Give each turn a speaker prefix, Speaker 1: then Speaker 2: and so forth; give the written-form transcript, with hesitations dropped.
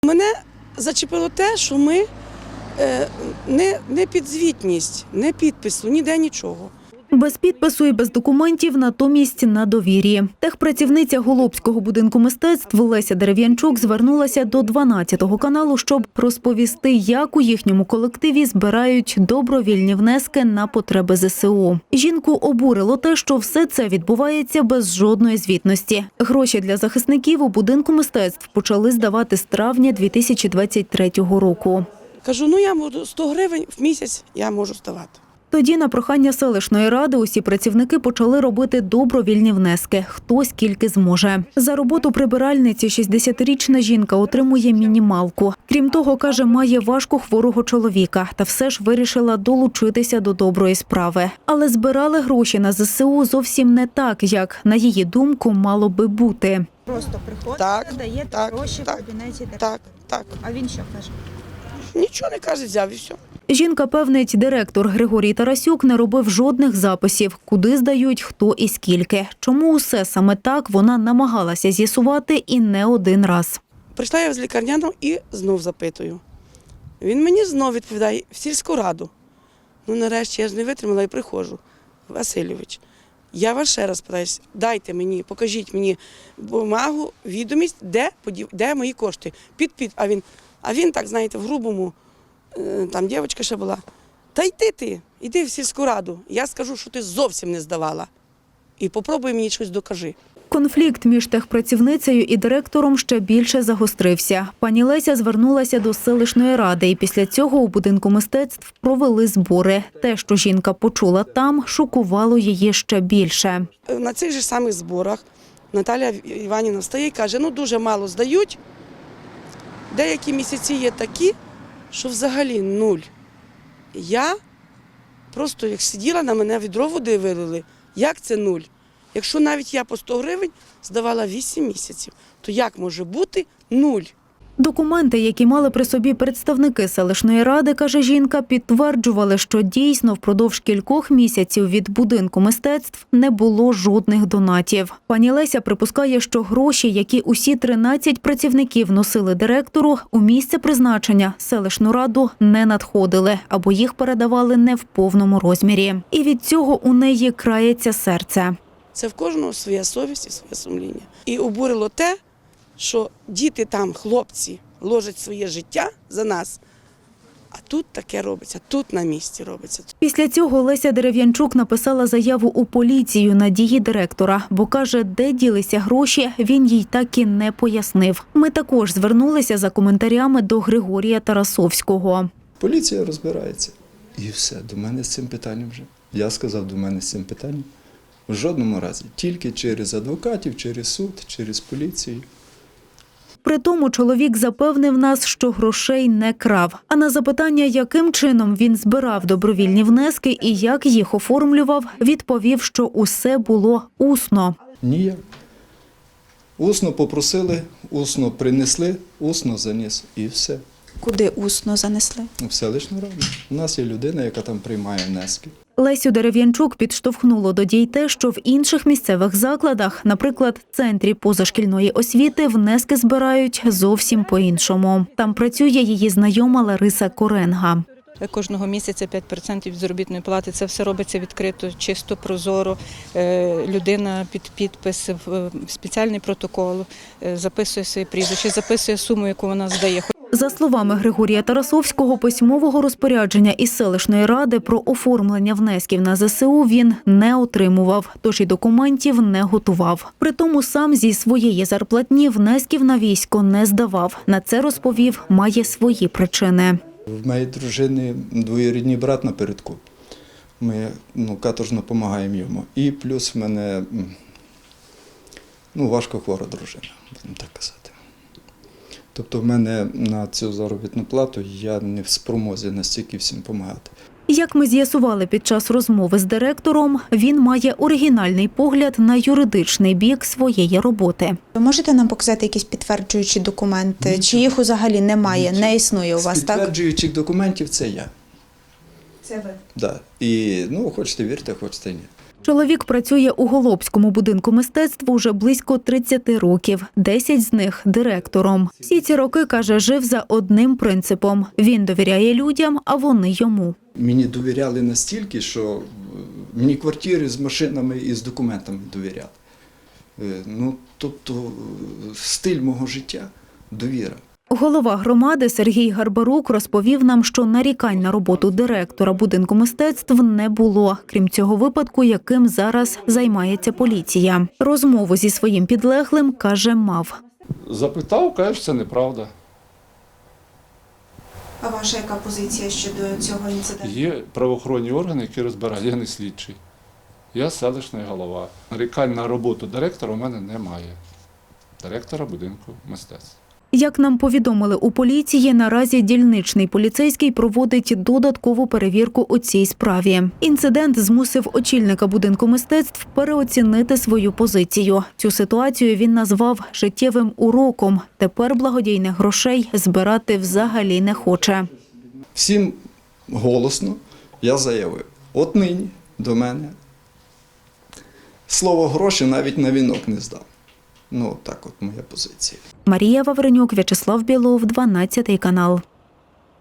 Speaker 1: Мене зачепило те, що ми не підзвітність, не підпису, ніде нічого.
Speaker 2: Без підпису і без документів, натомість на довір'ї. Техпрацівниця Голубського будинку мистецтв Леся Дерев'янчук звернулася до 12-го каналу, щоб розповісти, як у їхньому колективі збирають добровільні внески на потреби ЗСУ. Жінку обурило те, що все це відбувається без жодної звітності. Гроші для захисників у будинку мистецтв почали здавати з травня 2023 року.
Speaker 1: Кажу, я можу 100 гривень в місяць я можу здавати.
Speaker 2: Тоді на прохання селищної ради усі працівники почали робити добровільні внески, хто скільки зможе. За роботу прибиральниці 60-річна жінка отримує мінімалку. Крім того, каже, має важко хворого чоловіка та все ж вирішила долучитися до доброї справи. Але збирали гроші на ЗСУ зовсім не так, як, на її думку, мало би бути.
Speaker 3: Просто приходите, даєте гроші в кабінеті директора.
Speaker 1: Так.
Speaker 3: А він що каже?
Speaker 1: Нічого не каже, взяв і все.
Speaker 2: Жінка певнить, директор Григорій Тарасюк не робив жодних записів, куди здають, хто і скільки. Чому усе саме так, вона намагалася з'ясувати і не один раз.
Speaker 1: Прийшла я з лікарняного і знов запитую. Він мені знов відповідає, в сільську раду. Нарешті я ж не витримала і приходжу. Васильович, я вас ще раз питаюсь, дайте мені, покажіть мені бумагу, відомість, де мої кошти. А він так, знаєте, в грубому, там дівчинка ще була. Та йди в сільську раду. Я скажу, що ти зовсім не здавала. І попробуй мені щось докажи.
Speaker 2: Конфлікт між техпрацівницею і директором ще більше загострився. Пані Леся звернулася до селищної ради, і після цього у будинку мистецтв провели збори. Те, що жінка почула там, шокувало її ще більше.
Speaker 1: На цих же самих зборах Наталя Іванівна встає і каже, дуже мало здають. Деякі місяці є такі, що взагалі нуль. Я просто, як сиділа, на мене відро води вилили. Як це нуль? Якщо навіть я по 100 гривень здавала 8 місяців, то як може бути нуль?
Speaker 2: Документи, які мали при собі представники селищної ради, каже жінка, підтверджували, що дійсно впродовж кількох місяців від будинку мистецтв не було жодних донатів. Пані Леся припускає, що гроші, які усі 13 працівників носили директору, у місце призначення селищну раду не надходили, або їх передавали не в повному розмірі. І від цього у неї крається серце.
Speaker 1: Це в кожного своя совість і своє сумління. І обурило те, що діти там, хлопці, ложать своє життя за нас, а тут таке робиться, тут на місці робиться.
Speaker 2: Після цього Леся Дерев'янчук написала заяву у поліцію на дії директора, бо каже, де ділися гроші, він їй так і не пояснив. Ми також звернулися за коментарями до Григорія Тарасовського.
Speaker 4: Поліція розбирається. І все, до мене з цим питанням вже. Я сказав, до мене з цим питанням. В жодному разі. Тільки через адвокатів, через суд, через поліцію.
Speaker 2: При тому чоловік запевнив нас, що грошей не крав. А на запитання, яким чином він збирав добровільні внески і як їх оформлював, відповів, що усе було усно.
Speaker 4: Ніяк. Усно попросили, усно принесли, усно заніс і все.
Speaker 3: Куди усно занесли?
Speaker 4: В селищну раду. У нас є людина, яка там приймає внески.
Speaker 2: Лесю Дерев'янчук підштовхнуло до дій те, що в інших місцевих закладах, наприклад, центрі позашкільної освіти, внески збирають зовсім по-іншому. Там працює її знайома Лариса Коренга.
Speaker 5: Кожного місяця 5% від заробітної плати. Це все робиться відкрито, чисто, прозоро. Людина під підпис, в спеціальний протокол, записує своє прізвище, записує суму, яку вона здає.
Speaker 2: За словами Григорія Тарасовського, письмового розпорядження із селищної ради про оформлення внесків на ЗСУ він не отримував, тож і документів не готував. Притому сам зі своєї зарплатні внесків на військо не здавав. На це, розповів, має свої причини.
Speaker 4: В моєї дружини двоюрідний брат напередку. Ми каторжно допомагаємо йому. І плюс в мене важко хвора дружина, будемо так казати. Тобто в мене на цю заробітну плату я не в спромозі настільки всім допомагати.
Speaker 2: Як ми з'ясували під час розмови з директором, він має оригінальний погляд на юридичний бік своєї роботи.
Speaker 3: Ви можете нам показати якісь підтверджуючі документи? Чи їх взагалі немає, не існує у вас,
Speaker 4: з
Speaker 3: так?
Speaker 4: підтверджуючих документів це я.
Speaker 3: Це ви.
Speaker 4: Да. І, хочете вірте, хочете ні.
Speaker 2: Чоловік працює у Голобському будинку мистецтв уже близько 30 років, 10 з них – директором. Всі ці роки, каже, жив за одним принципом – він довіряє людям, а вони йому.
Speaker 4: Мені довіряли настільки, що мені квартири з машинами і з документами довіряли. Ну, тобто стиль мого життя – довіра.
Speaker 2: Голова громади Сергій Гарбарук розповів нам, що нарікань на роботу директора будинку мистецтв не було, крім цього випадку, яким зараз займається поліція. Розмову зі своїм підлеглим, каже, мав.
Speaker 6: Запитав, каже, що це неправда.
Speaker 3: А ваша яка позиція щодо цього інциденту?
Speaker 6: Є правоохоронні органи, які розбирають, я не слідчий. Я селищний голова. Нарікань на роботу директора у мене немає. Директора будинку мистецтв.
Speaker 2: Як нам повідомили у поліції, наразі дільничний поліцейський проводить додаткову перевірку у цій справі. Інцидент змусив очільника будинку мистецтв переоцінити свою позицію. Цю ситуацію він назвав життєвим уроком. Тепер благодійних грошей збирати взагалі не хоче.
Speaker 4: Всім голосно я заявив, от нині до мене слово гроші навіть на вінок не здав. Ну, так от моя позиція.
Speaker 2: Марія Вавренюк, В'ячеслав Білов, 12 канал.